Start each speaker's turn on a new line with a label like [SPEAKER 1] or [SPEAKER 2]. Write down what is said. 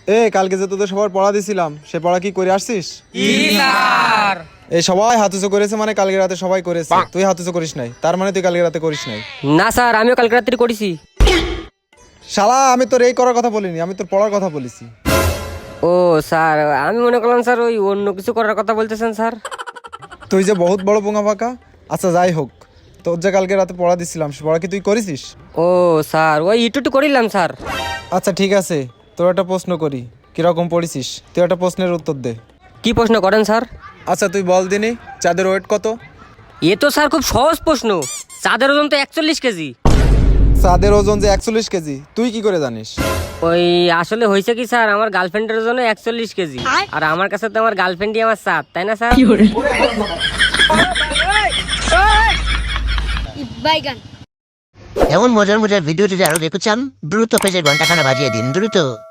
[SPEAKER 1] এ কালকে যে তোদের সবার পড়া দিছিলাম সে পড়া কি করে আসছিস?
[SPEAKER 2] স্যার
[SPEAKER 1] এই সবাই হাতুচো করেছে মানে কালকে রাতে সবাই করেছে, তুই হাতুচো করিস নাই তার মানে তুই কালকে রাতে করিস নাই।
[SPEAKER 2] না স্যার, আমিও কালকে রাত্রি করেছি।
[SPEAKER 1] শালা আমি তোর এই করার কথা বলিনি, আমি তোর পড়ার কথা বলেছি।
[SPEAKER 2] ও স্যার, আমি মনে করলাম স্যার ওই অন্য কিছু করার কথা বলতেছেন স্যার।
[SPEAKER 1] তুই যে বহুত বড় পোঙা ফাঁকা। আচ্ছা যাই হোক, তোর যে কালকে রাতে পড়া দিছিলাম সে পড়া কি তুই করেছিস?
[SPEAKER 2] ও স্যার, ওই একটু করিলাম স্যার।
[SPEAKER 1] আচ্ছা ঠিক আছে, তোর একটা প্রশ্ন করি, কিরকম পড়েছিস তুই একটা প্রশ্নের উত্তর দে।
[SPEAKER 2] কি প্রশ্ন করেন স্যার?
[SPEAKER 1] আচ্ছা তুই বল দিনি চাঁদের ওয়েট কত?
[SPEAKER 2] এ তো স্যার খুব সহজ প্রশ্ন। চাঁদের ওজন তো 41 কেজি।
[SPEAKER 1] চাঁদের ওজন যে 41 কেজি তুই কি করে জানিস?
[SPEAKER 2] ওই আসলে হয়েছে কি স্যার, আমার গার্লফ্রেন্ডের ওজন 41 কেজি, আর আমার কাছে তো আমার গার্লফ্রেন্ডই আমার চাঁদ, তাই না স্যার?
[SPEAKER 3] এমন মজার মজার ভিডিও যদি আরো দেখতে চান দ্রুত পেজে ঘন্টাখানা বাজিয়ে দিন দ্রুত।